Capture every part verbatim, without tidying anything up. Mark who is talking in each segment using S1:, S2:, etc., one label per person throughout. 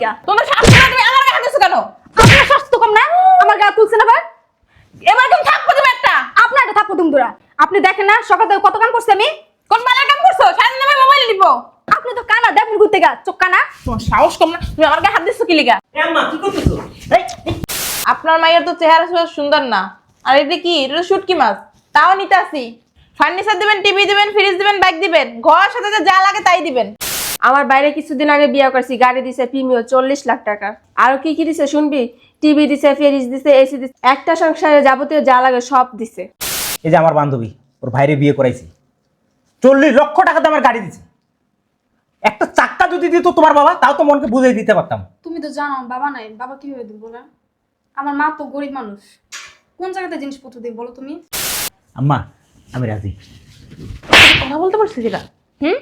S1: লিগা?
S2: তোমার শাশুড়ি তুমি আমার গায়ে হাত দিছো কেন?
S1: আপনার স্বাস্থ্য কম না? আমার গা তুলছেন আবার?
S2: এবার তুমি থাপ্পড় দিবে একটা।
S1: আপনার একটা থাপ্পড় দিম দুরা। আপনি দেখেন না সকাল থেকে কত কাম করছি আমি?
S2: কোন বালের কাম করছো? সারাদিন আমি মোবাইল নিব।
S1: আপনি তো কানা দেখুন ঘুরতে গা, চোখ কানা।
S2: তোমার সাহস কম না? তুমি আমার গায়ে হাত দিছো কি লিগা?
S3: এ আম্মা কি করতেছো? এই
S2: আপনার মায়ের তো চেহারা সুন্দর সুন্দর না। আর এটা কি? এটা শুটকি মাছ। তাও নিতে আসি। ফার্নিচার দিবেন, টিভি দিবেন, ফ্রিজ দিবেন, বাইক দিবেন। ঘর সাথে যা লাগে তাই দিবেন।
S4: আমার বাইরে কিছুদিন আগে বিয়ে করছি, গাড়ি দিছে প্রিমিও চল্লিশ লাখ টাকা। আরো কি কি দিছে শুনবি? টিভি দিছে, ফ্রিজ দিছে, এসি দিছে, একটা সংসারে যাবতীয় যা লাগে সব দিছে।
S3: এই যে আমার বান্ধবী, ওর ভাইরে বিয়ে করাইছি, চল্লিশ লক্ষ টাকা দামের গাড়ি দিছে। একটা চাক্কা যদি দিত তোমার বাবা, তাও তো মনকে বুঝাই দিতে পারতাম।
S1: তুমি তো জানো বাবা নাই, বাবা কিভাবে দিব না? আমার মা তো গরিব মানুষ, কোন জায়গাতে জিনিসপত্র দিই বলো তুমি?
S3: আম্মা আমি রাজি।
S2: কথা বলতে পারছি কিনা? হুম?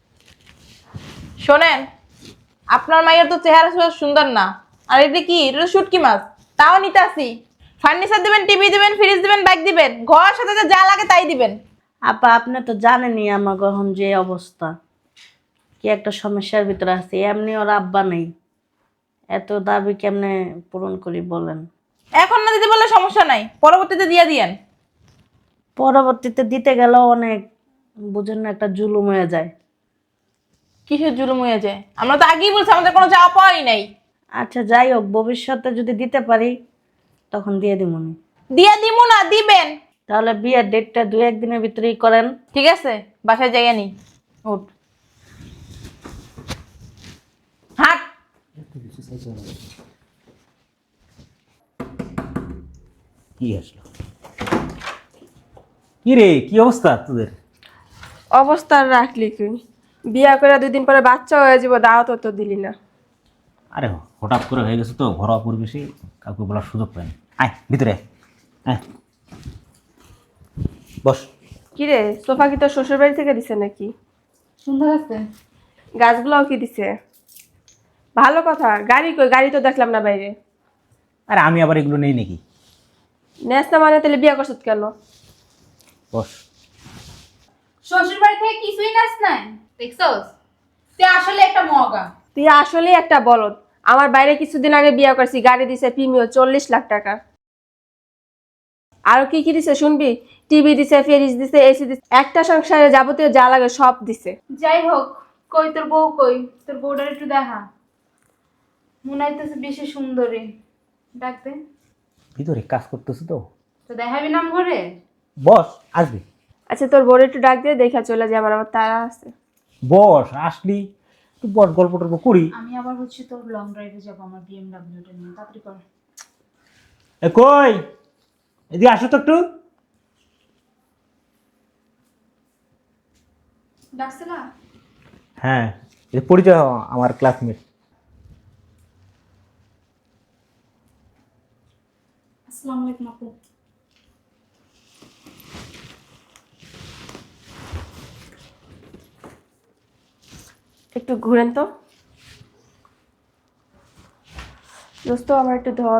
S2: শোনেন, আপনার মায়ের তো চেহারা সুন্দর সুন্দর না। আর এটা কি? এটা শুটকি মাছ। তাও নিতে আসি। ফার্নিচার দিবেন, টিভি দিবেন, ফ্রিজ দিবেন, বাইক দিবেন। ঘর সাথে যা লাগে তাই দিবেন।
S5: আপা আপনি তো জানেনই আমার গ্রহণ যে অবস্থা, কি একটা সমস্যার ভিতরে আছে। এমনি ওর আব্বা নেই, এত দাবি কেমনে পূরণ করি বলেন?
S2: এখন না দিতে বললে সমস্যা নাই, পরবর্তীতে দিয়ে দিয়েন।
S5: পরবর্তীতে দিতে গেলেও অনেক বুঝেন না, একটা জুলুম হয়ে যায়।
S2: কিসের জুলুম হয়ে যায়? আমরা তো আগেই বলছি আমাদের কোনো যাওয়া পাওয়াই নাই।
S5: আচ্ছা যাই হোক, ভবিষ্যতে যদি দিতে পারি তখন দিয়ে দিবনি।
S2: দিয়ে দিমু না, দিবেন।
S5: তাহলে বিয়ের ডেটটা দু একদিনের ভিতরেই করেন।
S2: ঠিক আছে, বাসায় জায়গা নেই। উঠ, হাট।
S3: কি আসলো? কি রে, কি অবস্থা তোদের?
S4: অবস্থা আর রাখলি কি? বিয়া করে দুই দিন পরে বাচ্চা হয়ে যাব, দাওয়াত তো দিলি না।
S3: আরে হঠাৎ করে হয়ে গেছে তো, ঘরোয়া পরিবেশে কাউকে বলার সুযোগ পাইনি। আয় ভিতরে আয়। আয় বস।
S4: কিরে, সোফা কি তোর শ্বশুর বাড়ি থেকে দিছে নাকি?
S1: সুন্দর আছে।
S4: গাছগুলোও কি দিছে? ভালো কথা। গাড়ি কই? গাড়ি তো দেখলাম না বাইরে।
S3: আরে আমি আবার এগুলো নেই নাকি?
S4: নেস না মানে তাহলে বিয়া করছত কেন?
S3: বস।
S1: শ্বশুর বাড়ি থেকে কিছুই নাস নাই দেখছস? তুই আসলে একটা মগা।
S4: তুই আসলেই একটা বলদ। আমার বাইরে কিছুদিন আগে বিয়ে করছি, গাড়ি দিছে প্রিমিও চল্লিশ লাখ টাকা। আরো কি কি দিছে শুনবি? টিভি দিছে, ফ্রিজ দিছে, এসি দিছে, একটা সংসারে যাবতীয় যা লাগে সব দিছে।
S1: যাই হোক, কই তোর বউ কই? তোর বউটার একটু দেখা, মনে হইতেছে বেশি সুন্দরী। ডাকতে
S3: ভিতরে কাজ করতেছে তো।
S1: তো দেখাবি নাম ঘরে?
S3: বস, আসবি।
S4: আচ্ছা তোর বোর একটু ডাক দিয়ে দেখা চলে যায়, আমার আবার তারা আছে।
S3: বস আসলি তুই বস, গল্প টল্প করি।
S1: আমি আবার হচ্ছে তোর লং ড্রাইভে যাবো আমার বিএমডব্লিউটা নিয়ে, তাড়াতাড়ি কর।
S3: এ কই, এদিকে আসো তো একটু।
S1: ডাকছে না?
S3: হ্যাঁ, এটা পরিচয় হও, আমার ক্লাসমেট।
S1: আসসালামু আলাইকুম আপু।
S4: একটু ঘুরেন তো দোস্ত, আমার একটু ধর।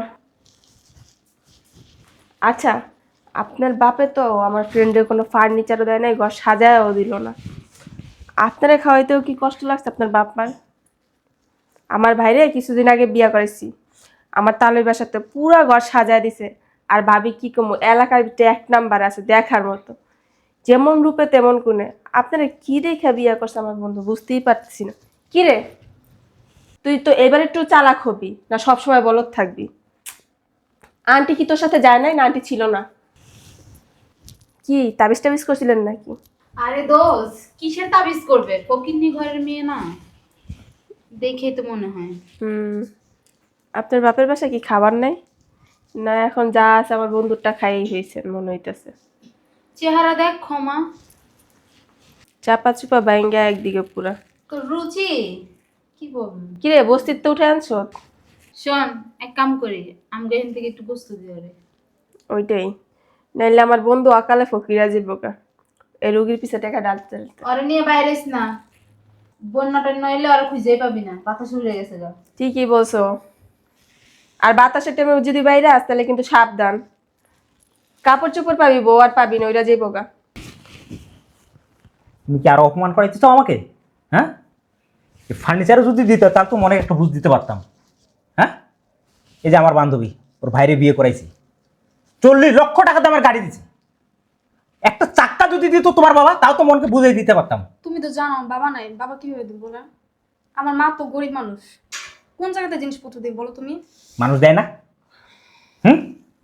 S4: আচ্ছা, আপনার বাপে তো আমার ফ্রেন্ডের কোনো ফার্নিচারও দেয় নাই, ঘর সাজায়ও দিল না। আপনারা খাওয়াইতেও কি কষ্ট লাগছে আপনার বাপ মার? আমার ভাইরে কিছুদিন আগে বিয়া করেছি, আমার তালের বাসাতে পুরা ঘর সাজায় দিছে। আর ভাবি কি কমো, এলাকার ভিতরে এক নাম্বার আছে দেখার মতো, যেমন রূপে তেমন গুণে। আপনারা কি দেখা বিয়া করছে আমার বন্ধু, বুঝতেই পারতেছি না। কি রে, তুই তো এবার একটু চালাক হবি না সবসময় বলদ থাকবি? আন্টি কি তোর সাথে যায় নাই না? আন্টি ছিল না? কি তাবিজ টাবিজ করছিলেন নাকি?
S1: আরে দোষ, কিসের তাবিজ করবে? ফকিন্নি ঘরের মেয়ে না, দেখেই তো মনে হয়।
S4: হুম, আপনার বাপের বাসায় কি খাবার নাই? না এখন যা আছে আমার বন্ধুরটা খাইই হয়েছে মনে হইতেছে।
S1: চেহারা দেখ ক্ষমা,
S4: চাপা চুপা বাইঙ্গা একদিকে পুরা।
S1: তোর রুচি কি বলবো।
S4: কিরে, বস্তির তো উঠে আনছ?
S1: শোন, এক কাম করি, আমাকে এখান থেকে একটু বস্তু দিয়ে রে।
S4: ওইটাই, নাইলে আমার বন্ধু অকালে ফকিরা যাবো। এই রুগীর পিছে টাকা ডালতে ডালতে।
S1: ওরে নিয়ে বাইরেস না, বন্যাটা নইলে ওরা খুঁজেই পাবি না, বাতাস উড়ে গেছে গা।
S4: ঠিকই বলছো। আর বাতাসের টাইমে যদি বাইরে আস তাহলে কিন্তু সাবধান। কাপড় চোপড় পাবি, বউ আর পাবি না, ওইটা যাইবো গা।
S3: তুমি কি আরো অপমান করাইতে চাও আমাকে? হ্যাঁ, ফার্নিচারও যদি দিত তাহলে তো মনে একটা বুঝ দিতে পারতাম। হ্যাঁ, এই যে আমার বান্ধবী, ওর ভাইরে বিয়ে করাইছি, চল্লিশ লক্ষ টাকা দামের গাড়ি দিছে। একটা চাক্কা যদি দিত তোমার বাবা, তাও তো মনকে বুঝিয়ে দিতে পারতাম।
S1: তুমি তো জানো বাবা নাই, বাবা কিভাবে দিব বলে? আমার মা তো গরিব মানুষ, কোন জায়গাতে জিনিসপত্র দিই বলো তুমি?
S3: মানুষ দেয় না? হুম,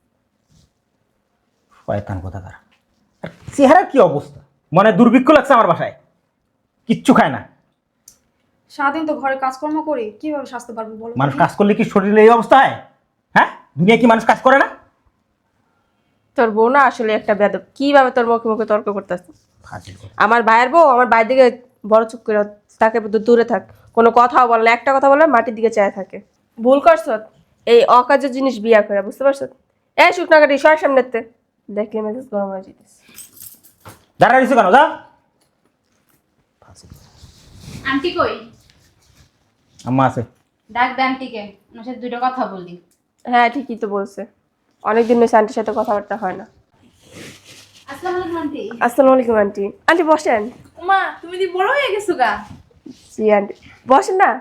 S3: শয়তান কোথাকার। আর চেহারার কি অবস্থা, মনে হয় দুর্ভিক্ষ লাগছে আমার বাসায়, কিচ্ছু খায় না।
S1: সারাদিন তো ঘরে কাজকর্ম করি, কিভাবে স্বাস্থ্য পারবো বলো?
S3: মানুষ কাজ করলে কি শরীরে এই অবস্থা হয়? হ্যাঁ, দুনিয়া কি মানুষ কাজ করে না?
S4: তোর বউ না আসলে একটা বেয়াদব, কিভাবে তোর মুখে মুখে তর্ক করতেছে।
S3: ফাজিল কথা।
S4: আমার ভাইয়ের বউ আমার ভাইয়ের দিকে বড় চুপ করে তাকে দূরে থাক, কোনো কথাও বলে না, একটা কথা বলে মাটির দিকে চায় থাকে। ভুল করছ এই অকাজের জিনিস বিয়া করে, বুঝতে পারছ? এই শুকনা কাটি সবার সামনেতে দেখলে মেজাজ গরম হয়ে যেতেছে।
S3: দাঁড়া রইছো কেন? যা।
S1: আন্টি কই?
S3: আম্মা আছে।
S1: ডাক দে আন্টিকে, ওনার সাথে দুটো কথা বলি।
S4: হ্যাঁ ঠিকই তো বলছে, অনেকদিন হয়েছে আন্টির সাথে কথাবার্তা হয় না।
S1: আসসালামু আলাইকুম আন্টি।
S4: আসসালামু আলাইকুম আন্টি। আন্টি বসেন।
S2: মা তুমি দি বড় হয়ে গেছো গা।
S4: জি আন্টি বসেন না।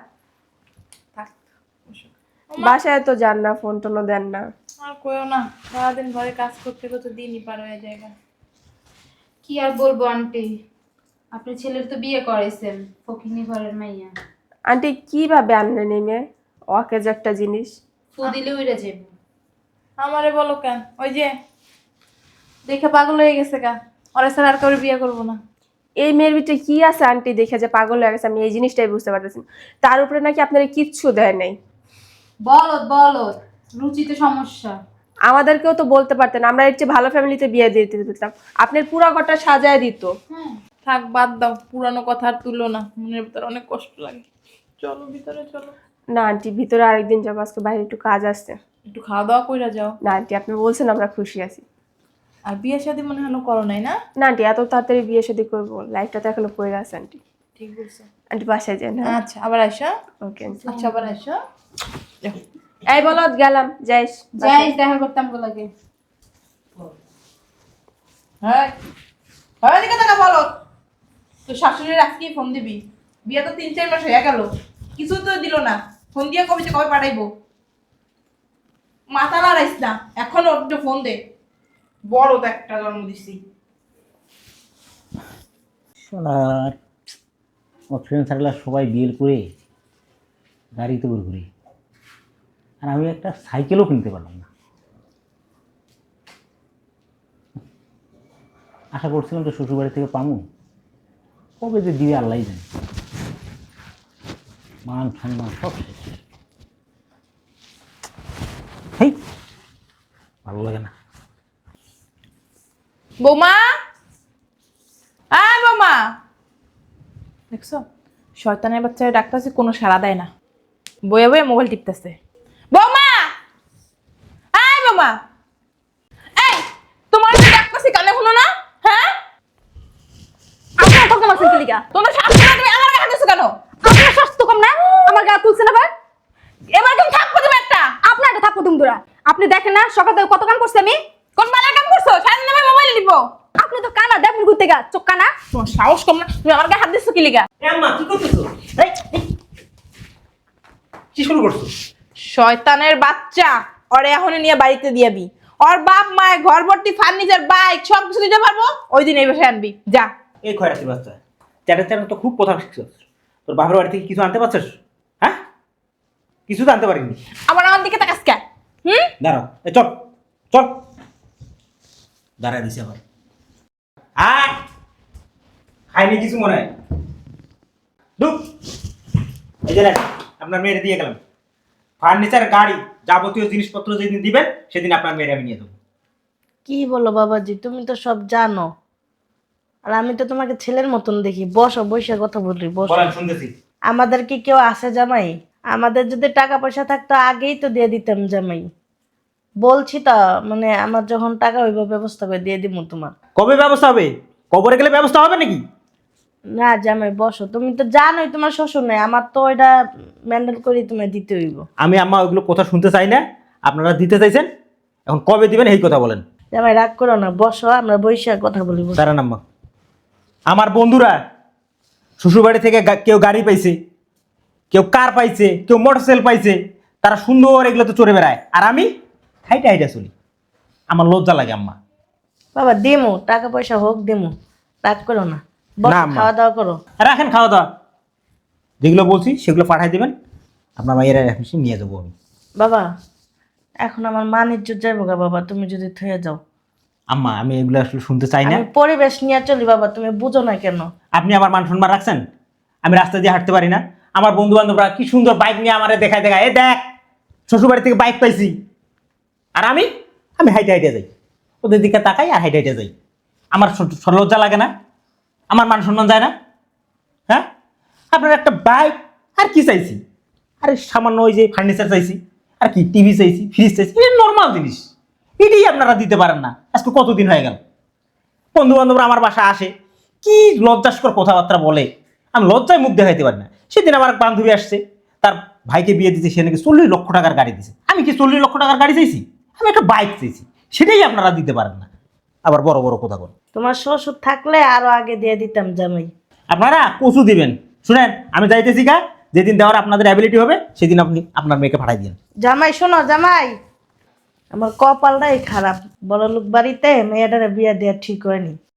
S4: বাসায় তো যান না, ফোন টোনও দেন না।
S2: আর কইও না, সারাদিন ঘরে কাজ করতে করতে দিনই পার হয়ে যায়।
S1: কি আর বলবো আন্টি, আপনার ছেলের তো বিয়ে করাইছেন, ফকিনি ঘরের মাইয়া।
S4: আন্টি কিভাবে আনলেন এই মেয়ে? অকেজ একটা জিনিস।
S1: ফু দিলে উইরা যাবে।
S2: আমারে বলো কেন? ওই যে দেখে পাগল হয়ে গেছে গা, ওরা স্যার আর কাউরে বিয়ে করবো না।
S4: এই মেয়ের ভিতরে কি আছে আন্টি দেখে যে পাগল হয়ে গেছে, আমি এই জিনিসটাই বুঝতে পারতেছি না। তার উপরে নাকি আপনারা কিচ্ছু দেয় নাই।
S1: বলদ বলদ, রুচিতে সমস্যা।
S4: আমাদেরকেও তো বলতে পারতেন, আমরা এর চেয়ে ভালো ফ্যামিলিতে বিয়ে দিয়ে দিতাম, আপনার পুরা ঘরটা সাজায় দিত।
S1: হ্যাঁ,
S2: থাক বাদ দাও, পুরানো কথা আর তুলো না, মনের ভিতরে অনেক কষ্ট লাগে। চলো ভিতরে চলো।
S4: না আন্টি ভিতরে আরেকদিন যাবো, আজকে বাইরে একটু কাজ আসছে।
S2: একটু খাওয়া দাওয়া কইরা যাও।
S4: না আন্টি আপনি বলছেন আমরা খুশি আছি।
S2: আর বিয়ে শাদী মনে হলো করো নাই না?
S4: না আন্টি এত তাড়াতাড়ি বিয়ে শাদী করবো, লাইফটা তো এখনো পড়ে আছে আন্টি।
S2: ঠিক বলছো।
S4: আন্টি বাসায় যান। হ্যাঁ
S2: আচ্ছা আবার আসো।
S4: Okay aunty.
S2: আচ্ছা আবার আসো। যাও।
S4: এই বলো গেলাম, যাইস
S1: যাই দেখা করতাম গো লাগে।
S2: হ্যাঁ হয় দিকে টাকা বলো, তো শাশুড়ির আজকে ফোন দিবি। বিয়ে তো তিন চার মাস হয়ে গেল, কিছু তো দিল না। ফোন দিয়ে কবে যে কবে পাঠাইবো? মাথা লড়াইস না, এখন একটু ফোন দে। বড় তো একটা জন্ম দিছি।
S3: আর আমার ফ্রেন্ড সার্কেল সবাই বিয়ে করে গাড়িতে করে ঘুরি, আর আমি একটা সাইকেলও কিনতে পারলাম না। আশা করছিলাম তো শ্বশুরবাড়ি থেকে পামু, কবে যে দিবে আল্লাহ জানে। মান সম্মান সব শেষ। হেই, ভালো লাগে না।
S2: বৌমা, আয় বৌমা। দেখছো শয়তানের বাচ্চারা ডাকতেছে, কোনো সাড়া দেয় না, বয়ে বয়ে মোবাইল টিপতেছে। বৌমা, আয় বৌমা। এই তোমার যে ডাকতেছি কানে শুনো না? হ্যাঁ
S6: আপনার কত মাসের কিলিকা?
S2: তোমার শাশুড়ি তুমি আমার গায়ে হাত দিছো কেন?
S6: আপনার স্বাস্থ্য কম না? আমার গা তুলছেন আবার?
S2: এবার তুমি থাকবো তুমি একটা।
S6: আপনার একটা থাপ্পড় দুম দূরা। আপনি দেখেন না সকাল থেকে কত কাম করছি আমি?
S2: কোন বালার কাম করছো? সারাদিন আমি মোবাইল টিপো।
S6: আপনি তো কানা, দেখুন ঘুরতে গা, চোখ কানা।
S2: তোমার সাহস কম না? তুমি আমার গায়ে হাত দিছো কি লিগা?
S3: আম্মা কি করতেছো? এই, এই, কি শুরু করছো?
S2: শয়তানের বাচ্চা, ওরে এখনই নিয়ে বাড়িতে দিয়াবি। ওর বাপ মায় ঘর ভর্তি ফার্নিচার, বাইক সব কিছু দিতে পারবো, ওই দিন এই বাসায় আনবি যা।
S3: এই খয়রাতি বাচ্চা, চ্যাটার চ্যাটার তো খুব কথা শিখছিস। তোর বাপের বাড়ি থেকে কিছু আনতে পারছিস? হ্যাঁ, কিছু তো আনতে পারিনি।
S2: আবার আমার দিকে তাকাস কে? হুম,
S3: দাঁড়াও, এ চল চল, দাঁড়ায় দিছে আবার। আয়, খাইনি কিছু মনে হয়। ঢুক। এই যে নেন, আপনার মেয়ের দিয়ে গেলাম ফার্নিচার, গাড়ি, যাবতীয় জিনিসপত্র যেদিন দিবেন সেদিন আপনার মেয়ের আমি নিয়ে দেবো।
S5: কি বলো বাবাজি, তুমি তো সব জানো, আর আমি তো তোমাকে ছেলের মতন দেখি। বসো, বসে কথা বলি, বসো।
S3: বলেন, শুনতেছি।
S5: আমাদের কি কেউ আছে জামাই? আমাদের যদি টাকা পয়সা থাকতো আগেই তো দিয়ে দিতাম জামাই। বলছি তো, মানে আমার যখন টাকা হইব ব্যবস্থা করে দিয়ে দিব তোমার।
S3: কবে ব্যবস্থা হবে? কবরে গেলে ব্যবস্থা হবে নাকি?
S5: না জামাই বসো, তুমি তো জানোই তোমার শ্বশুর নাই, আমার তো ওইটা ম্যান্ডেল করে তোমায় দিতে হইব।
S3: আমি আম্মা ওইগুলো কথা শুনতে চাই না। আপনারা দিতে চাইছেন, এখন কবে দিবেন এই কথা বলেন।
S5: জামাই রাগ করো না, বসো, আমরা বৈশাখ কথা বলি। বসো।
S3: দাঁড়ান আম্মা, আমার বন্ধুরা শ্বশুরবাড়ি থেকে গা- কেউ গাড়ি পাইছে, কেউ কার পাইছে, কেউ মোটরসাইকেল পাইছে, তারা সুন্দর এগুলো তো চড়ে বেড়ায়, আর আমি হাইটা হাইটা চলি। আমার লজ্জা লাগে আম্মা।
S5: বাবা দিমু, টাকা পয়সা হোক দিমু, রাগ করো না, বসো,
S3: না, আম্মা।
S5: খাওয়া দাওয়া করো।
S3: রাখেন খাওয়া দাওয়া, যেগুলো বলছি সেগুলো পাঠাই দেবেন, আপনার মায়েরা এখন নিয়ে যাবো আমি।
S5: বাবা এখন আমার মান ইজ্জত যাইবো গা বাবা, তুমি যদি থয়ে যাও।
S3: আম্মা আমি এগুলো আসলে শুনতে চাই না।
S5: আমি পরিবেশ নিয়ে চলি বাবা, তুমি বুঝো না কেন?
S3: আপনি আমার মান সম্মান রাখছেন? আমি রাস্তা দিয়ে হাঁটতে পারি না? আমার বন্ধু বান্ধবরা কি সুন্দর বাইক নিয়ে আমারে দেখায় দেখায়, এ দেখ শ্বশুর বাড়ি থেকে বাইক পাইছি, আর আমি আমি হাইটে হাইটে যাই, ওদের দিকে তাকাই আর হাইটে হাইটে যাই। আমার স- স- লজ্জা লাগে না? আমার মান সম্মান যায় না? হ্যাঁ, আপনার একটা বাইক আর কি চাইছি? আরে সামান্য ওই যে ফার্নিচার চাইছি, আর কি টিভি চাইছি, ফ্রিজ চাইছি, এটা নর্মাল জিনিস, এটাই আপনারা দিতে পারেন না। আজকে কতদিন হয়ে গেল বন্ধু বান্ধবরা আমার বাসায় আসে, কি লজ্জাস্কর কথাবার্তা বলে, আমি লজ্জায় মুখ দেখাইতে পারি না। সেদিন আমার এক বান্ধবী আসছে, তার ভাইকে বিয়ে দিতে, সে নাকি চল্লিশ লক্ষ টাকার গাড়ি দিছে। আমি কি চল্লিশ লক্ষ টাকার গাড়ি চাইছি? আমি একটা বাইক চাইছি, সেটাই আপনারা দিতে পারেন না। আবার বড় বড় কথা বলেন।
S5: তোমার শ্বশুর থাকলে আরো আগে দিয়ে দিতাম জামাই।
S3: আপনারা কচু দিবেন। শুনেন, আমি যাইতেছি গা, যেদিন দেওয়ার আপনাদের অ্যাবিলিটি হবে সেদিন আপনি আপনার মেয়েকে পাঠাই দিন।
S5: জামাই শোনো জামাই, আমার কপালটাই খারাপ, বড় লোক বাড়িতে মেয়েটারে বিয়ে দেওয়া ঠিক হয়নি।